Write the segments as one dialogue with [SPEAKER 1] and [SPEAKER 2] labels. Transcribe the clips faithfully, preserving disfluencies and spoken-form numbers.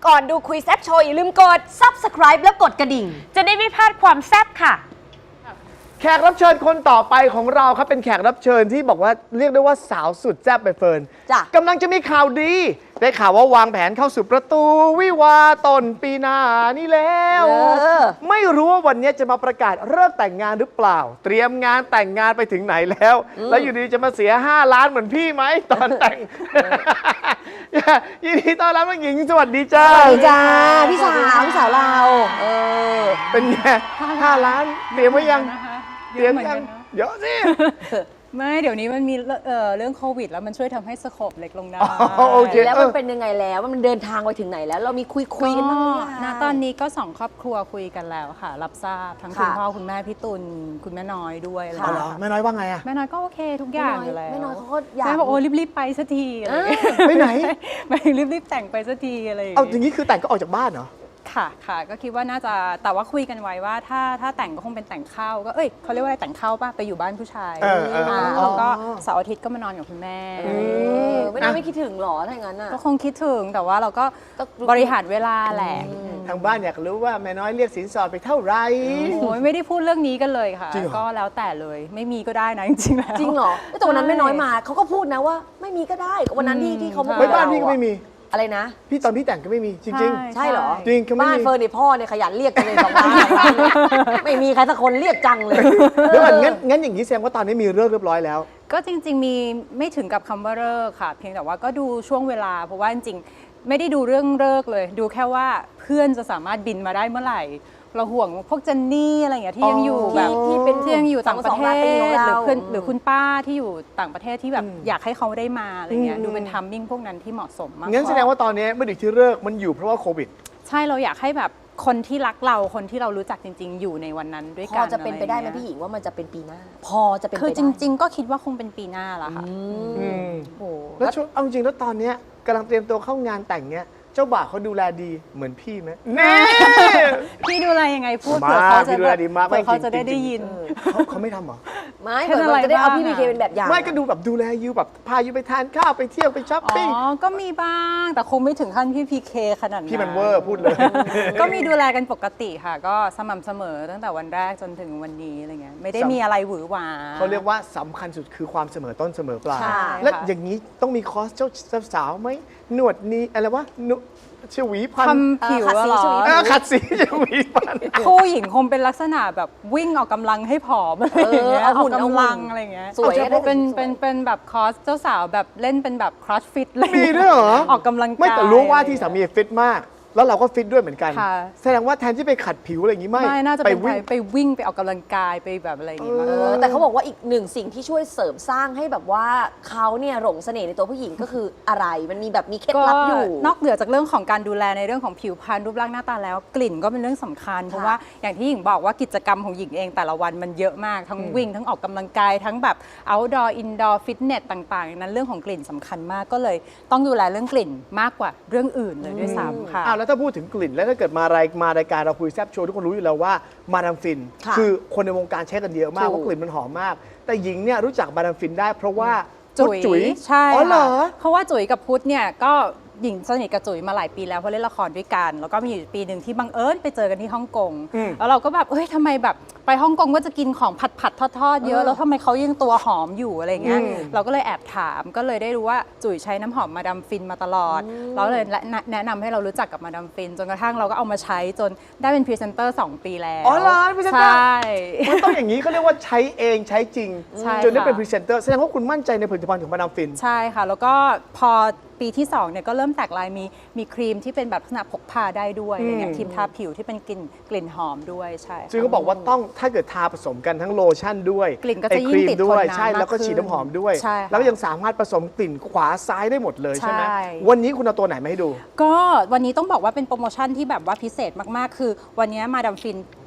[SPEAKER 1] ก่อนดูคุยแซ่บโชว์อย่าลืมกด ซับสไครบ์ และกดกระดิ่ง
[SPEAKER 2] จะได้ไม่พลาดความแซ่บค่ะ
[SPEAKER 3] แขกรับเชิญคนต่อไปของเราครับเป็นแขกรับเชิญที่บอกว่าเรียกได้ว่าสาวสุดแซ่บไปเฟิร์น
[SPEAKER 1] จ้ะ
[SPEAKER 3] กำลังจะมีข่าวดีได้ข่าวว่าวางแผนเข้าสู่ประตูวิวาต้นปีหน้านี่แล้วไม่รู้ว่าวันนี้จะมาประกาศเลิกแต่งงานหรือเปล่า เตรียมงานแต่งงานไปถึงไหนแล้ว แล้วอยู่ดีจะมาเสียห้าล้านเหมือนพี่ไหมตอนแต่งยินดีต้อนรับน้องหญิงสวัสดีจ้า
[SPEAKER 1] สวัสดีจ้าพี่สาวพี่สาวเราเออ
[SPEAKER 3] เป็นไงห้าล้านเตรียมไว้ยังเตรียมยังเดี๋ยวสิ
[SPEAKER 2] ไม่เดี๋ยวนี้มันมีเอ่อเรื่องโควิดแล้วมันช่วยทำให้สโคปเล็กลงได้
[SPEAKER 3] โอเค
[SPEAKER 1] แล้วมันเป็นยังไงแล้วมันเดินทางไปถึงไหนแล้วเรามีคุยคุยกันบ้างไหม
[SPEAKER 2] ณตอนนี้ก็สองครอบครัวคุยกันแล้วค่ะรับทราบทั้งคุณพ่อคุณแม่พี่ตุลคุณแม่น้อยด้วยอะไรอย่าง
[SPEAKER 3] เงี้ยแม่น้อยว่าไงอะ
[SPEAKER 2] แม่น้อยก็โอเคทุกอย่างอยู่แล้ว
[SPEAKER 1] แม่น้อยเขาก็อยาก
[SPEAKER 2] แม่บอกโอ้รีบๆไปสักทีอะไร
[SPEAKER 3] ไปไหน
[SPEAKER 2] ไปรีบๆแต่งไปสักทีอะไร
[SPEAKER 3] เอาอย่างนี้คือแต่งก็ออกจากบ้านเหรอ
[SPEAKER 2] ค่ะค่ะก็คิดว่าน่าจะแต่ว่าคุยกันไว้ว่าถ้าถ้าแต่งก็คงเป็นแต่งเข้าก็เอ้ยเขาเรียกว่าอะไรแต่งเข้าป่ะไปอยู่บ้านผู้ชายแล้วก็เสาร์อาทิตย์ก็มานอนกับคุณแม่
[SPEAKER 1] ไม่ได้ไม่คิดถึงหรอถ้าอย่างนั้นอ่ะ
[SPEAKER 2] ก็คงคิดถึงแต่ว่าเราก็บริหารเวลาแหละ
[SPEAKER 3] ทางบ้านอยากรู้ว่าแม่น้อยเรียกสินสอดไปเท่าไหร่
[SPEAKER 2] โอ้ยไม่ได้พูดเรื่องนี้กันเลยค่ะก็แล้วแต่เลยไม่มีก็ได้นะจริงๆแล้ว
[SPEAKER 1] จริงเหรอแต่วันนั้นแม่น้อยมาเขาก็พูดนะว่าไม่มีก็ได้วันนั้นที่ที่เขาบอก
[SPEAKER 3] ไม่บ้านพี่ก็ไม่มี
[SPEAKER 1] อะไรนะ
[SPEAKER 3] พี่ตอนพี่แต่งก็ไม่มีจริง
[SPEAKER 1] ๆใช่เหรอ
[SPEAKER 3] จริง
[SPEAKER 1] บ้านเฟิร์นเนี่ยพ่อเนี่ยขยันเรียกกันเลยสองบ้านไม่มีใครสักคนเรียกจังเลย
[SPEAKER 3] เดี๋ยวงั้นงั้นอย่างนี้แสดงว่าตอนนี้มีเรื่องเรียบร้อยแล้ว
[SPEAKER 2] ก็จริงๆมีไม่ถึงกับคำว่าเลิกค่ะเพียงแต่ว่าก็ดูช่วงเวลาเพราะว่าจริงๆไม่ได้ดูเรื่องเลิกเลยดูแค่ว่าเพื่อนจะสามารถบินมาได้เมื่อไหร่เราห่วงพวกเจนนี่อะไรอย่างเงี้ยที่ยังอยู่แบบที่เป็นที่ยังอยู่ต่างประเทศหรือเพื่อนหรือคุณป้าที่อยู่ต่างประเทศที่แบบอยากให้เขาได้มาอะไรเงี้ยดูเป็นทัมมิ่งพวกนั้นที่เหมาะสมมาก
[SPEAKER 3] งั้นแสดงว่าตอนนี้ไม่ได้ที่เลิกมันอยู่เพราะว่าโควิด
[SPEAKER 2] ใช่เราอยากให้แบบคนที่รักเราคนที่เรารู้จักจริงๆอยู่ในวันนั้นด้วยกัน
[SPEAKER 1] พอจะเป็นไปได้ไหมพี่หญิงว่ามันจะเป็นปีหน้าพอจะเป็น
[SPEAKER 2] คือจริงๆก็คิดว่าคงเป็นปีหน้าละค่ะ
[SPEAKER 3] โอ้แล้วเอาจริงแล้วตอนนี้กำลังเตรียมตัวเข้างานแต่งเนี้ยเจ้าบ่าวเขาดูแลดีเหมือนพี่ไหม
[SPEAKER 2] แน่พี่ดูแลยังไงพูดเผื่อเขาจะได้เขาจะได้ได้ยิน
[SPEAKER 3] เขาไม่ทำหรอ
[SPEAKER 1] ไม่เหมือนจะได้เอาพี่พีเคเป็นแบบอย่าง
[SPEAKER 3] ไม่ก็ดูแบบดูแลยูแบบพายูไปทานข้าวไปเที่ยวไปช้อปปิ้ง
[SPEAKER 2] อ๋อก็มีบ้างแต่คงไม่ถึงขั้นพี่พีเคขนาดนั้น
[SPEAKER 3] พี่มันเวอร์พูดเลย
[SPEAKER 2] ก็มีดูแลกันปกติค่ะก็สม่ำเสมอตั้งแต่วันแรกจนถึงวันนี้อะไรเงี้ยไม่ได้มีอะไรหวือหวา
[SPEAKER 3] เขาเรียกว่าสำคัญสุดคือความเสมอต้นเสมอปลายและอย่างนี้ต้องมีคอร์สเจ้าสาวไหมหนวดนี้อะไรวะชวีพัน
[SPEAKER 2] ทำผิวหรอ
[SPEAKER 3] ขัดสีชวีพัน
[SPEAKER 2] ผู้หญิงคงเป็นลักษณะแบบวิ่งออกกำลังให้ผอมอะไรอย่างเงี้ยออกกำลังอะไรเงี้ย
[SPEAKER 1] สวย
[SPEAKER 2] เป็นเป็นเป็นแบบคอร์สเจ้าสาวแบบเล่นเป็นแบบครอสฟิตเลย
[SPEAKER 3] มีด้วยเหรอ
[SPEAKER 2] ออกกำลังกาย
[SPEAKER 3] ไม่แต่รู้ว่าที่สามีฟิตมากแล้วเราก็ฟิตด้วยเหมือนกันแสดงว่าแทนที่ไปขัดผิวอะไรอย่างงี้ไม่
[SPEAKER 2] ไม่น่าจะเป็นไปวิ่งไปออกกำลังกายไปแบบอะไรอย่างงี้
[SPEAKER 1] แต่เขาบอกว่าอีกหนึ่งสิ่งที่ช่วยเสริมสร้างให้แบบว่าเขาเนี่ยหลงเสน่ห์ในตัวผู้หญิงก็คืออะไรมันมีแบบมีเคล็ดลับอยู่
[SPEAKER 2] นอกเหนือจากเรื่องของการดูแลในเรื่องของผิวพรรณรูปร่างหน้าตาแล้วกลิ่นก็เป็นเรื่องสำคัญเพราะว่าอย่างที่หญิงบอกว่ากิจกรรมของหญิงเองแต่ละวันมันเยอะมากทั้งวิ่งทั้งออกกำลังกายทั้งแบบ outdoor indoor fitness ต่างๆนั้นเรื่องของกลิ่นสำคัญมากก็เลยต้องดูแลเรื่องกลิ่นมากกว่าเรื่องอื่นเลยด้วยซ้ำค่ะ
[SPEAKER 3] อ้าวแล้วถ้าพูดถึงกลิ่นแล้วถ้าเกิดมารายมารายการเราคุยแซ่บโชว์ทุกคนรู้อยู่แล้วว่ามาดามฟินคือคนในวงการใช้กันเยอะมากเพราะกลิ่นมันหอมมากแต่หญิงเนี่ยรู้จักมาดามฟินได้เพราะว่า
[SPEAKER 2] จุ๋ยใช่
[SPEAKER 3] อ๋อเหรอ
[SPEAKER 2] เพราะว่าจุ๋ยกับพุทธเนี่ยก็หญิงสนิทกับจุ๋ยมาหลายปีแล้วเพราะเล่นละครด้วยกันแล้วก็มีอยู่ปีหนึ่งที่บังเอิญไปเจอกันที่ฮ่องกงแล้วเราก็แบบเอ้ยทำไมแบบไปฮ่องกงก็จะกินของผัดผัดทอดทอดเยอะแล้วทำไมเขายังตัวหอมอยู่อะไรเงี้ยเราก็เลยแอบถามก็เลยได้รู้ว่าจุ๋ยใช้น้ำหอมมาดามฟินมาตลอดเราเลยแนะนำให้เรารู้จักกับมาดามฟินจนกระทั่งเราก็เอามาใช้จนได้เป็นพรีเซนเตอร์สองปีแล้ว
[SPEAKER 3] อ๋อเหรอพรีเซนเตอร์
[SPEAKER 2] ใช่
[SPEAKER 3] มันต้องอย่างนี้เขาเรียกว่าใช้เองใช้จริงจนได้เป็นพรีเซนเตอร์แสดงว่าคุณมั่นใจในผลิตภัณฑ์ของมาดามฟิน
[SPEAKER 2] ใช่ค่ะแล้วก็พอปีที่สองเนี่ยก็เริ่มแตกลายมีมีครีมที่เป็นแบบลักษณะพกพาได้ด้วยอะไรเงี้ยครีมทาผิวที่เป็นกลิ่นกลิ่นหอมด้วยใช่
[SPEAKER 3] ซึ่งเขาบอกว่าต้องถ้าเกิดทาผสมกันทั้งโลชั่นด้วย
[SPEAKER 2] กลิ่นก็จะยิ่งติดทนนาน
[SPEAKER 3] ใช่แล้วก็ฉีดน้ำหอมด้วยแล้วยังสามารถผสมกลิ่นขวาซ้ายได้หมดเลยใช่ไหมวันนี้คุณเอาตัวไหนมาให้ดู
[SPEAKER 2] ก็วันนี้ต้องบอกว่าเป็นโปรโมชั่นที่แบบว่าพิเศษมากๆคือวันนี้มาดามฟิน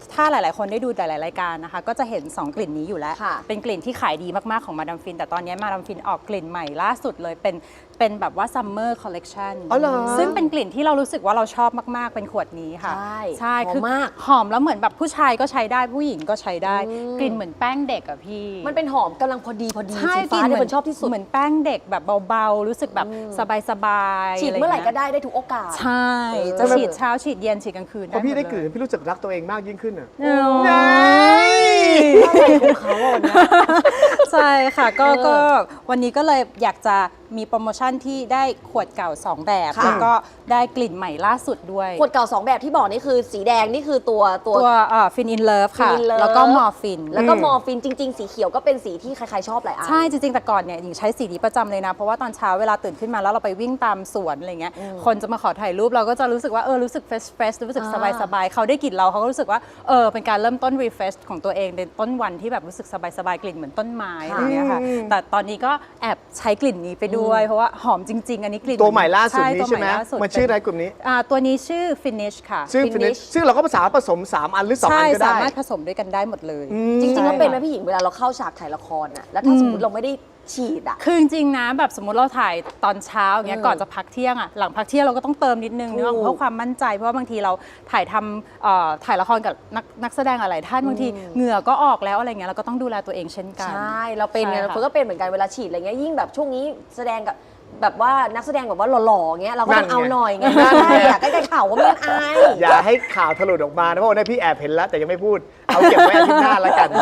[SPEAKER 2] ถ้าหลายๆ คนได้ดูหลายๆรายการนะคะก็จะเห็นสองกลิ่นนี้อยู่แล้ว
[SPEAKER 1] ค่ะ
[SPEAKER 2] เป็นกลิ่นที่ขายดีมากๆของมาดามฟินแต่ตอนนี้มาดามฟินออกกลิ่นใหม่ล่าสุดเลยเป็นเป็นแบบว่าซัมเมอร์คอลเลกชัน
[SPEAKER 3] อ๋อเหรอ
[SPEAKER 2] ซึ่งเป็นกลิ่นที่เรารู้สึกว่าเราชอบมากๆเป็นขวดนี้ค่ะ
[SPEAKER 1] ใช่
[SPEAKER 2] ใช่
[SPEAKER 1] หอม
[SPEAKER 2] คือ
[SPEAKER 1] มาก
[SPEAKER 2] หอมแล้วเหมือนแบบผู้ชายก็ใช้ได้ผู้หญิงก็ใช้ได้
[SPEAKER 1] อืม
[SPEAKER 2] กลิ่นเหมือนแป้งเด็กอะพี่
[SPEAKER 1] มันเป็นหอมกำลังพอดีพอดี
[SPEAKER 2] ใช่
[SPEAKER 1] สี
[SPEAKER 2] กลิ่
[SPEAKER 1] ฟ้าน เนี่ย
[SPEAKER 2] เหมื
[SPEAKER 1] คนชอบที่สุด
[SPEAKER 2] เหมือนแป้งเด็กแบบเบาๆ รู้สึกแบบสบายๆ
[SPEAKER 1] ฉีดเมื่อไหร่ก็
[SPEAKER 2] ะย
[SPEAKER 1] ได้ได้ทุกโอกาส
[SPEAKER 2] ใช่ จะฉีดเช้าฉีดเย็นฉีดกลางคืน
[SPEAKER 3] พอพี่ได้
[SPEAKER 2] หม
[SPEAKER 3] กลิ่นพี่รู้สึกรักตัวเองมากยิ่งขึ้นอ่ะ
[SPEAKER 2] เลย
[SPEAKER 3] ไง
[SPEAKER 1] อะไรของเขาอะวันเนี้ย
[SPEAKER 2] ใช่ค่ะก็
[SPEAKER 1] เออ
[SPEAKER 2] ก็วันนี้ก็เลยอยากจะมีโปรโมชั่นที่ได้ขวดเก่า สอง แบบ
[SPEAKER 1] ค่ะ
[SPEAKER 2] แล้วก็ได้กลิ่นใหม่ล่าสุดด้วย
[SPEAKER 1] ขวดเก่าสองแบบที่บอกนี่คือสีแดงนี่คือตัวตัว
[SPEAKER 2] ตัวฟินอินเลิฟค่ะ
[SPEAKER 1] Fin in Love
[SPEAKER 2] แล้วก็มอร์ฟิน
[SPEAKER 1] แล้วก็มอร์ฟินจริง ๆ สีเขียวก็เป็นสีที่ใครๆชอบหลายอัน
[SPEAKER 2] ใช่ จริง ๆ แต่ก่อนเนี่ยหญิงใช้สีนี้ประจำเลยนะ เพราะว่าตอนเช้าเวลาตื่นขึ้นมาแล้วเราไปวิ่งตามสวนอะไรเงี้ยคนจะมาขอถ่ายรูปเราก็จะรู้สึกว่าเออรู้สึกเฟรชเฟรชรู้สึก
[SPEAKER 1] อ่า
[SPEAKER 2] สบายสบายเขาได้กลิ่นเราเขาก็รู้สึกว่าเออเป็นการเริ่มต้นรีเฟรชของตัวเองเป็นต้นวันที่แบบรู้สึกสบายสบายกลิ่นเหมือนต้นไม้อะไรเงี้ยค่ะแต่ตอนนี้ก็แอบใช้กลิ่นนี้ไปด้วย เพราะว่าหอมจริง ๆ อันนี้กลิ่น
[SPEAKER 3] ตัวใหม่ล่าสุดนี้
[SPEAKER 2] ตัว
[SPEAKER 3] ใช่ไหม
[SPEAKER 2] ล่าสุด
[SPEAKER 3] มันชื่ออะไรกลุ่มนี้
[SPEAKER 2] อ่าตัวนี้ชื่อ Finish ค่ะ
[SPEAKER 3] ซึ่ง
[SPEAKER 1] Finish
[SPEAKER 3] Finish ซึ่งเราก็ภาษามารถผสม สาม อันหรือ สอง
[SPEAKER 2] ใช่
[SPEAKER 3] อันก็ได้
[SPEAKER 2] สามารถผสมด้วยกันได้หมดเลย
[SPEAKER 1] จริงๆแล้ว
[SPEAKER 2] ใช่
[SPEAKER 1] เป็นไหม
[SPEAKER 2] ค่ะ
[SPEAKER 1] พี่หญิงเวลาเราเข้าฉากถ่ายละครน่ะแล้วถ้าสมมติเราไม่ได้ฉีดอ่ะ
[SPEAKER 2] คือจริงๆนะแบบสมมติเราถ่ายตอนเช้าอย่างเงี้ย
[SPEAKER 1] อืม
[SPEAKER 2] ก่อนจะพักเที่ยงอ่ะหลังพักเที่ยงเราก็ต้องเติมนิดนึง
[SPEAKER 1] ถูก
[SPEAKER 2] เนื่องเพื่อความมั่นใจเพราะว่าบางทีเราถ่ายทำเอ่อถ่ายละครกับนักนักแสดงหลายท่านบางทีเหงื่อก็ออกแล้วอะไรเงี้ยเราก็ต้องดูแลตัวเองเช่นกัน
[SPEAKER 1] ใช่ เราเป็นไง
[SPEAKER 2] ใช่ค่ะ
[SPEAKER 1] เฟิร์นก็เป็นเหมือนกันเวลาฉีดอะไรเงี้ยยิ่งแบบช่วงนี้แสดงกับแบบว่านักแสดงแบบว่าหล่อๆเงี้ยเราก็ต้องเอาหน่อยไง
[SPEAKER 3] นั่นไง
[SPEAKER 1] ใช่อะใกล้ๆเข่าก็ไม่งั้นอาย
[SPEAKER 3] อย่าให้ข่าวถลุดออกมานะเพราะวันนี้พี่แอบเห็นแล้วแต่ยังไม่พูด เอาเก็บไว้อาทิตย์หน้าแล้วกัน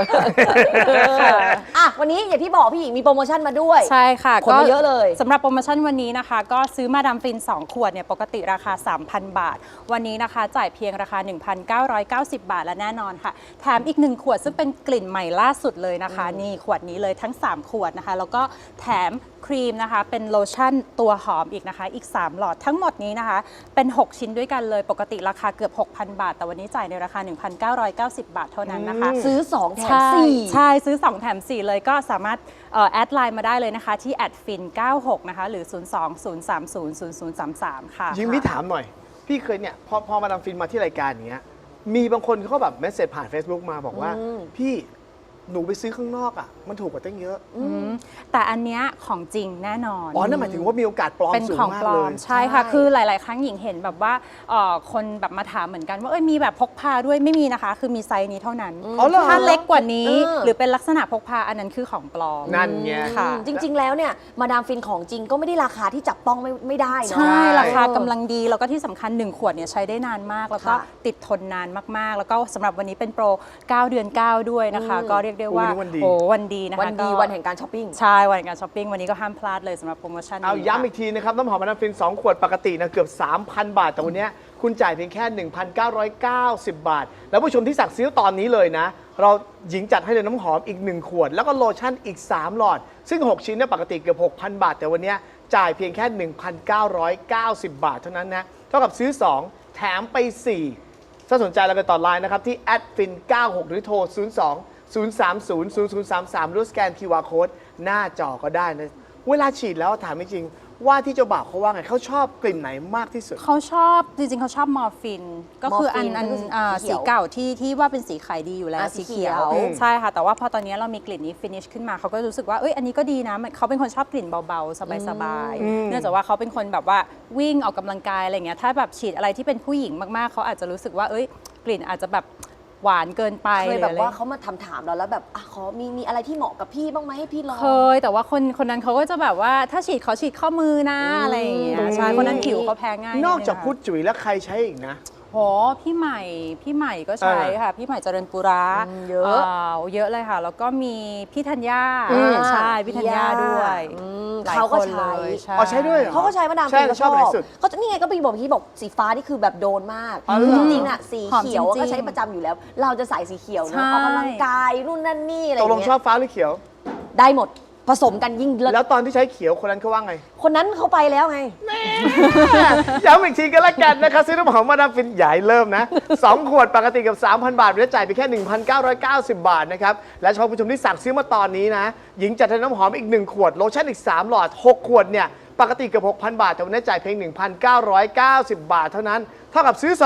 [SPEAKER 1] อ่ะวันนี้อย่างที่บอกพี่หญิงมีโปรโมชั่นมาด้วย
[SPEAKER 2] ใช่ค่ะ
[SPEAKER 1] ขนมาเยอะเลย
[SPEAKER 2] สำหรับโปรโมชั่นวันนี้นะคะ ก็ซื้อมาดามฟิน สอง ขวดเนี่ยปกติราคา สามพัน บาท วันนี้นะคะจ่ายเพียงราคา หนึ่งพันเก้าร้อยเก้าสิบ บาทและแน่นอนค่ะ แถมอีก หนึ่ง ขวดซึ่งเป็นกลิ่นใหม่ล่าสุดเลยนะคะ นี่ขวดนี้เลยทั้ง สาม ขวดนะคะ แล้วก็แถมครีมนะคะเป็นโลชั่นตัวหอมอีกนะคะ อีก สาม หลอดทั้งหมดนี้นะคะ เป็น หก ชิ้นด้วยกันเลยปกติราคาเกือบ หกพัน บาท แต่วันนี้จ่ายในราคา หนึ่งพันเก้าร้อยเก้าสิบ บาทเท่านั้นนะคะ
[SPEAKER 1] ซื้อสองแถม
[SPEAKER 2] ใช่
[SPEAKER 1] สี่
[SPEAKER 2] ใช่ ซื้อ สอง แถม สี่ เลยก็สามารถเอ่อแอดไลน์มาได้เลยนะคะ ที่แอดฟินเก้าหกนะคะ หรือ ศูนย์ สอง ศูนย์ สาม ศูนย์ ศูนย์ ศูนย์ สาม สาม ค่ะ
[SPEAKER 3] ยิงพี่ถามหน่อย พี่เคยเนี่ยพอพอมาดามฟินมาที่รายการอย่างเงี้ยมีบางคนเขาแบบเมสเซจผ่าน Facebook มาบอกว่า
[SPEAKER 1] อืม
[SPEAKER 3] พี่หนูไปซื้อข้างนอกอ่ะมันถูกกว่าตั้งเยอะ
[SPEAKER 2] อืมแต่อันเนี้ยของจริงแน่นอน
[SPEAKER 3] อ๋อนั่นหมายถึงว่ามีโอกาสปลอม
[SPEAKER 2] เป็น
[SPEAKER 3] สูง
[SPEAKER 2] ของ
[SPEAKER 3] มาก
[SPEAKER 2] ปล
[SPEAKER 3] เล
[SPEAKER 2] อม
[SPEAKER 3] ย
[SPEAKER 2] ใช่ค่ะ
[SPEAKER 1] ใช่
[SPEAKER 2] คือหลาย ๆ ครั้งหญิงเห็นแบบว่าเอ่อคนแบบมาถามเหมือนกันว่าเอ้ยมีแบบพกพาด้วยไม่มีนะคะ คือมีไซส์นี้เท่านั้น
[SPEAKER 3] อ๋อเหรอ
[SPEAKER 2] ถ้าเล็กกว่านี้
[SPEAKER 1] เออ
[SPEAKER 2] หรือเป็นลักษณะพกพาอันนั้นคือของปลอม
[SPEAKER 3] นั่นไง
[SPEAKER 2] ค่ะ
[SPEAKER 1] จริง ๆ แล้วเนี่ยมาดามฟินของจริงก็ไม่ได้ราคาที่จับต้องไม่ไม่ได้เนาะ
[SPEAKER 2] ใช่
[SPEAKER 3] ใช่
[SPEAKER 2] ราคากำลังดี แล้วก็ที่สำคัญ หนึ่ง ขวดเนี่ยใช้ได้นานมาก แล้วก็
[SPEAKER 1] ค่ะ
[SPEAKER 2] ติดทนนานมาก ๆ แล้วก็สำหรับวันนี้เป็นโปร เก้า เดือน เก้า ด้วยนะคะ
[SPEAKER 1] อืม
[SPEAKER 2] ก็เรียกได้ว่า
[SPEAKER 3] โอ้วันดี
[SPEAKER 2] โอ้วันดีนะคะ
[SPEAKER 1] วันดี
[SPEAKER 2] ก็
[SPEAKER 1] วันแห่งการช้อปปิ้ง
[SPEAKER 2] ใช่วันแห่งการช้อปปิ้งวันนี้ก็ห้ามพลาดเลยสำหรับโปรโมชั่นนี้
[SPEAKER 3] เอาย้ำ
[SPEAKER 2] ค่ะ
[SPEAKER 3] อีกทีนะครับ น้ำหอมมาดามฟิน สอง ขวดปกตินะเกือบ สามพัน บาท แต่วันเนี้ยคุณจ่ายเพียงแค่ หนึ่งพันเก้าร้อยเก้าสิบ บาท แล้วผู้ชมที่สั่งซื้อตอนนี้เลยนะ เราหญิงจัดให้เลยน้ำหอมอีก หนึ่ง ขวด แล้วก็โลชั่นอีก สาม หลอด ซึ่ง หก ชิ้นเนี่ยปกติเกือบ หกพัน บาท แต่วันเนี้ยจ่ายเพียงแค่ หนึ่งพันเก้าร้อยเก้าสิบ บาทเท่านั้นนะเท่ากับซื้อ สอง แถมไป สี่ ถ้าสนใจเราไปต่อไลน์นะครับที่ แอดฟินเก้าหก หรือโทร ศูนย์ สอง ศูนย์ สาม ศูนย์ ศูนย์ ศูนย์ สาม สาม หรือสแกน คิว อาร์ Code หน้าจอก็ได้นะ เวลาฉีดแล้วถามจริงๆว่าที่เจ้าบ่าวเขาว่าไงเขาชอบกลิ่นไหนมากที่สุด
[SPEAKER 2] เขาชอบจริงๆเขาชอบมอร์ฟิน ก็คืออัน
[SPEAKER 1] มอร์ฟิน
[SPEAKER 2] อัน
[SPEAKER 1] ก็คือสี
[SPEAKER 2] อ่า
[SPEAKER 1] เขี
[SPEAKER 2] สี
[SPEAKER 1] ยว
[SPEAKER 2] เก่าที่ที่ว่าเป็นสีขายดีอยู่แล้ว
[SPEAKER 1] อ่า
[SPEAKER 2] สี
[SPEAKER 1] สีเขี
[SPEAKER 2] เขี
[SPEAKER 1] ย
[SPEAKER 2] ยว ว ใช่ค่ะ แต่ว่าพอตอนนี้เรามีกลิ่นนี้ฟินิชขึ้นมาเขาก็รู้สึกว่าเอ้ยอันนี้ก็ดีนะมันเขาเป็นคนชอบกลิ่นเบาๆ สบายๆเนื่องจากว่าเขาเป็นคนแบบว่าวิ่งออกกำลังกายอะไรเงี้ยถ้าแบบฉีดอะไรที่เป็นผู้หญิงมากๆเขาอาจจะรู้สึกว่าเอ้ยกลิ่นอาจจะแบบหวานเกินไป
[SPEAKER 1] เคย
[SPEAKER 2] หรือ
[SPEAKER 1] แบบ
[SPEAKER 2] อะไร
[SPEAKER 1] ว่าเขามาถามถามๆเราแล้วแบบอ่ะขอมีมีอะไรที่เหมาะกับพี่บ้างไหมให้พี่ลอง
[SPEAKER 2] เคยแต่ว่าคนคนนั้นเขาก็จะแบบว่าถ้าฉีดเขาฉีดข้อมือนะอะไรอย่างเงี้ยใช่คนนั้นผิวเขาแพ้ง่าย
[SPEAKER 3] นอกจาก
[SPEAKER 2] ดง
[SPEAKER 3] พุทธจุ๋ยแล้วใครใช้อีกนะ
[SPEAKER 2] โหพี่ใหม่พี่ใหม่ก็ใช้
[SPEAKER 3] เออ
[SPEAKER 2] ค่ะ พี่ใหม่เจริญปุระ
[SPEAKER 1] อืมเยอะ
[SPEAKER 2] าเยอะเลยค่ะ แล้วก็มีพี่ธัญญา
[SPEAKER 1] อืม
[SPEAKER 2] ใช่พี่ธัญญาด้วย
[SPEAKER 1] อืม
[SPEAKER 2] หลย
[SPEAKER 1] เขาก็
[SPEAKER 2] คน
[SPEAKER 1] ใช้
[SPEAKER 2] ลย
[SPEAKER 3] อ๋อใช้ด้วยเหรอ
[SPEAKER 1] เขาก็ใช้มาดาม
[SPEAKER 3] ใช่
[SPEAKER 1] ฟินก็
[SPEAKER 3] ชอบอันไหนสุด
[SPEAKER 1] เขาจะนี่ไงก็พี่บอกพี่บอกสีฟ้านี่คือแบบโดนมาก
[SPEAKER 3] อ๋อเหรอ
[SPEAKER 1] คือจริงๆอ่ะสี
[SPEAKER 2] หอม
[SPEAKER 1] เขียว
[SPEAKER 2] จริงๆ
[SPEAKER 1] ก็ใช้ประจำอยู่แล้ว เราจะใส่สีเขียว
[SPEAKER 2] ใช่
[SPEAKER 1] เนาะออกกำลังกายนู่นนั่นนี่อะไรอ
[SPEAKER 3] ตก
[SPEAKER 1] ย่าง
[SPEAKER 3] ลง
[SPEAKER 1] เงี้
[SPEAKER 3] ชอย บฟ้าหรือเขียว
[SPEAKER 1] ได้หมดผสมกันยิ่งเลิศ
[SPEAKER 3] แล้วตอนที่ใช้เขียวคนนั้นเขาว่าไง
[SPEAKER 1] คนนั้นเขาไปแล้วไง
[SPEAKER 3] ย้ำอีกทีกันละกันนะครับซื้อน้ำหอมมาดามฟินใหญ่เริ่มนะ สอง ขวดปกติกับ สามพัน บาทแล้วจ่ายไปแค่ หนึ่งพันเก้าร้อยเก้าสิบ บาทนะครับ และเฉพาะผู้ชมที่สั่งซื้อมาตอนนี้นะ หญิงจัดให้น้ำหอมอีก หนึ่ง ขวด โลชั่นอีก สาม หลอด หก ขวดเนี่ย ปกติเกือบ หกพัน บาท แต่วันนี้จ่ายเพียง หนึ่งพันเก้าร้อยเก้าสิบ บาทเท่านั้น เท่ากับซื้อ สอง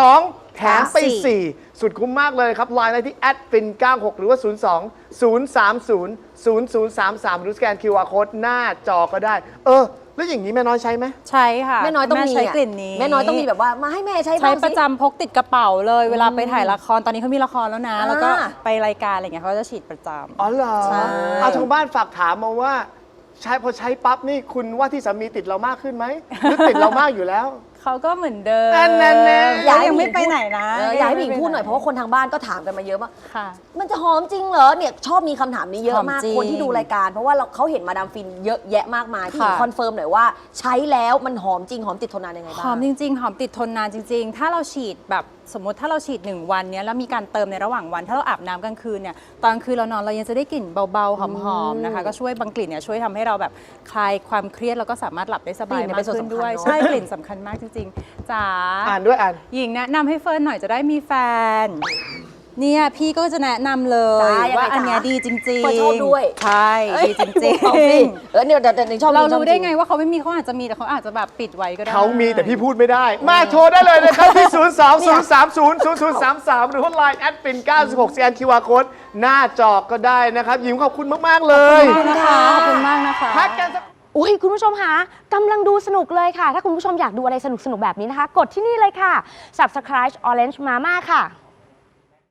[SPEAKER 3] แถมไปสี่ สุดคุ้มมากเลยครับ ไลน์ได้ที่ แอท ฟิน เก้าหก หรือว่า ศูนย์ สอง ศูนย์ สาม ศูนย์ ศูนย์ ศูนย์ สาม สาม หรือสแกน คิว อาร์ Code หน้าจอก็ได้ เออ แล้วอย่างนี้แม่น้อยใช้ไหม
[SPEAKER 2] ใช่ค่ะ
[SPEAKER 1] แม่น้อยต้องมี
[SPEAKER 2] ใช้
[SPEAKER 1] อะ
[SPEAKER 2] กลิ่นนี้
[SPEAKER 1] แม่น้อยต้องมีแบบว่ามาให้แม่ใช้
[SPEAKER 2] ใช้
[SPEAKER 1] บ้าง
[SPEAKER 2] ประ
[SPEAKER 1] สิ
[SPEAKER 2] จำพกติดกระเป๋าเลย เวลาไปถ่ายละครตอนนี้เขามีละครแล้วนะ
[SPEAKER 1] อ่า
[SPEAKER 2] แล้วก็ไปรายการอะไรเงี้ยเขาจะฉีดประจำ
[SPEAKER 3] อ๋อเหรอ
[SPEAKER 2] ใช่
[SPEAKER 3] เอาทางบ้านฝากถามมาว่าใช้พอใช้ปั๊บนี่คุณว่าที่สามีติดเรามากขึ้นไหมหรือติดเรามากอยู่แล้ว
[SPEAKER 2] เขาก็เหมือนเดิม
[SPEAKER 3] อันนั้นแน่
[SPEAKER 2] ก็ยังไม่ไปไหนนะ
[SPEAKER 1] เอออยากให้พี่หญิงพูดหน่อยเพราะว่าคนทางบ้านก็ถามกันมาเยอะว่า
[SPEAKER 2] ค่ะ
[SPEAKER 1] มันจะหอมจริงเหรอเนี่ยชอบมีคำถามนี้เยอะมาก
[SPEAKER 2] หอมจริง
[SPEAKER 1] คนที่ดูรายการ เพราะว่าเราเขาเห็นมาดามฟินเยอะแยะมากมายพี่หญิง
[SPEAKER 2] ค่ะ
[SPEAKER 1] คอนเฟิร์มหน่อยว่าใช้แล้วมันหอมจริงหอมติดทนนานยังไงบ้าง
[SPEAKER 2] หอมจริง ๆ หอมติดทนนานจริง ๆ ถ้าเราฉีดแบบสมมติถ้าเราฉีดหนึ่งวันเนี้ยแล้วมีการเติมในระหว่างวัน ถ้าเราอาบน้ำกลางคืนเนี่ยตอนกลางคืนเรานอนเรายังจะได้กลิ่นเบาๆหอมๆนะคะก็ช่วยบางกลิ่นเนี่ยช่วยทำให้เราแบบคลายความเครียดแล้วก็สามารถหลับได้สบาย
[SPEAKER 1] กลิ่นเนี่ย
[SPEAKER 2] มา
[SPEAKER 1] เป็
[SPEAKER 2] ก
[SPEAKER 1] นส่วน
[SPEAKER 2] ขึ้น
[SPEAKER 1] สำคัญ
[SPEAKER 2] ด้วย
[SPEAKER 1] เนอะ
[SPEAKER 2] ใช่กลิ่นสำคัญมากจริงๆจ๋า
[SPEAKER 3] อ่านด้วยอ่าน
[SPEAKER 2] หญิงแนะนำให้เฟิร์นหน่อยจะได้มีแฟน เนี่ยพี่ก็จะแนะนำเลย
[SPEAKER 1] จ้ายังไง
[SPEAKER 2] ว่าอันเนี้ย
[SPEAKER 1] จ๊ะ
[SPEAKER 2] ดีจริง
[SPEAKER 1] เฟิร์นชอบด้วย
[SPEAKER 2] ใช่ดีจริง
[SPEAKER 1] เอาสิเออเนี่ยแต่แต่หนึ่งชอบ
[SPEAKER 2] ๆเรา
[SPEAKER 1] หนึ่ชอบ
[SPEAKER 2] รู้ได้
[SPEAKER 1] จง
[SPEAKER 2] ไงว่าเขาไม่มีเขาอาจจะมีแต่เขาอาจจะแบบปิดไว้ก็ได้
[SPEAKER 3] เขามีแต่พี่พูดไม่ได้ มาโทรได้เลยนะครับ ที่ ศูนย์ สอง ศูนย์ สาม ศูนย์ ศูนย์ ศูนย์ สาม สาม หรือว่า ไลน์ แอท ฟิน เก้าหก สแกน คิว อาร์ Code หน้าจอก็ได้นะครับหญิงขอบคุณมาก ๆ เลย
[SPEAKER 2] ขอบคุณนะคะขอบคุณมากนะคะ
[SPEAKER 3] พักกันสัก
[SPEAKER 4] อุ้ยคุณผู้ชมคะกำลังดูสนุกเลยค่ะ ถ้าคุณผู้ชมอยากดูอะไรสนุกๆแบบนี้นะคะ กดที่นี่เลยค่ะ Subscribe Orange Mama ค่ะ